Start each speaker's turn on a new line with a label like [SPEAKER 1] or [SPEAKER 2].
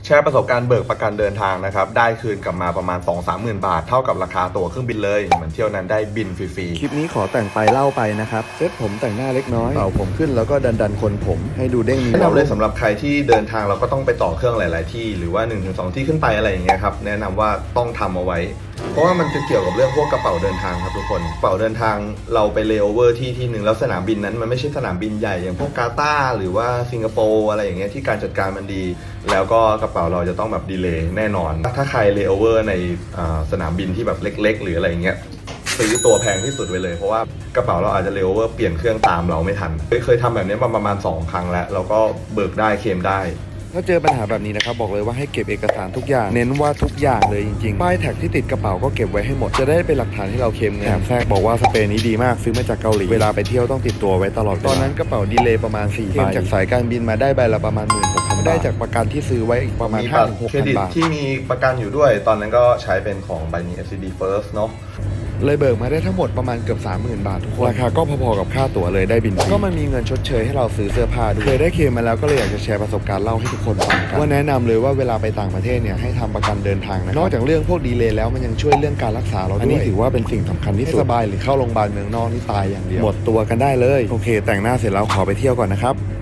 [SPEAKER 1] แชร์ประสบการณ์เบิกประกันเดินทางนะครับได้คืนกลับมาประมาณ 2-30,000 บาทเท่ากับราคาตั๋วเครื่องบินเลยเหมือนเที่ยวนั้นได้บินฟรี
[SPEAKER 2] คลิปนี้ขอแต่งไปเล่าไปนะครับเซตผมแต่งหน้าเล็กน้อยเป่าผมขึ้นแล้วก็ดันคนผมให้ดูเด้งมี
[SPEAKER 1] แนะนำเลยสำหรับใครที่เดินทางเราก็ต้องไปต่อเครื่องหลาย ๆ ที่หรือว่า 1-2 ที่ขึ้นไปอะไรอย่างเงี้ยครับแนะนำว่าต้องทำเอาไว้เพราะว่ามันจะเกี่ยวกับเรื่องพวกกระเป๋าเดินทางครับทุกคนกระเป๋าเดินทางเราไปเลโอเวอร์ที่หนึ่งแล้วสนามบินนั้นมันไม่ใช่สนามบินใหญ่อย่างพวกกาตาร์หรือว่าสิงคโปร์อะไรอย่างเงี้ยที่การจัดการมันดีแล้วก็กระเป๋าเราจะต้องแบบดีเลย์แน่นอนถ้าใครเลโอเวอร์ในสนามบินที่แบบเล็ก ๆ หรืออะไรอย่างเงี้ยซื้อตัวแพงที่สุดไว้เลยเพราะว่ากระเป๋าเราอาจจะเลโอเวอร์เปลี่ยนเครื่องตามเราไม่ทันเคยทำแบบนี้มาประมาณ2 ครั้งแล้วเราก็เบิกได้เคลมได้
[SPEAKER 2] ถ้าเจอปัญหาแบบนี้นะครับบอกเลยว่าให้เก็บเอกสารทุกอย่างเน้นว่าทุกอย่างเลยจริงๆป้ายแท็กที่ติดกระเป๋าก็เก็บไว้ให้หมดจะได้เป็นหลักฐานให้เราเคลมเงินแถมแทรกบอกว่าสเปรย์นี้ดีมากซื้อมาจากเกาหลีเวลาไปเที่ยวต้องติดตัวไว้ตลอดตอนนั้นกระเป๋าดีเลย์ประมาณ4 ใบจากสายการบินมาได้ใบละประมาณ 16,000 ได้จากประกันที่ซื้อไว้อีกประมาณ 5-6,000 บาท
[SPEAKER 1] ที่มีประกันอยู่ด้วยตอนนั้นก็ใช้เป็นของใบนี้ SCB First เนาะ
[SPEAKER 2] เลยเบิกมาได้ทั้งหมดประมาณเกือบ 30,000 บาททุกคนราคาก็พอๆกับค่าตั๋วเลยได้บินฟรีก็มันมีเงินชดเชยให้เราซื้อเสื้อผ้าด้วยเคยได้เคลมมาแล้วก็เลยอยากจะแชร์ประสบการณ์เล่าให้ทุกคนฟังกันว่าแนะนำเลยว่าเวลาไปต่างประเทศเนี่ยให้ทำประกันเดินทางนะนอกจากเรื่องพวกดีเลย์แล้วมันยังช่วยเรื่องการรักษาเราด้วยอันนี้ถือว่าเป็นสิ่งสำคัญที่สุดสบายหรือเข้าโรงพยาบาลเมืองนอกนี่ตายอย่างเดียวหมดตัวกันได้เลยโอเคแต่งหน้าเสร็จแล้วขอไปเที่ยวก่อนนะครับ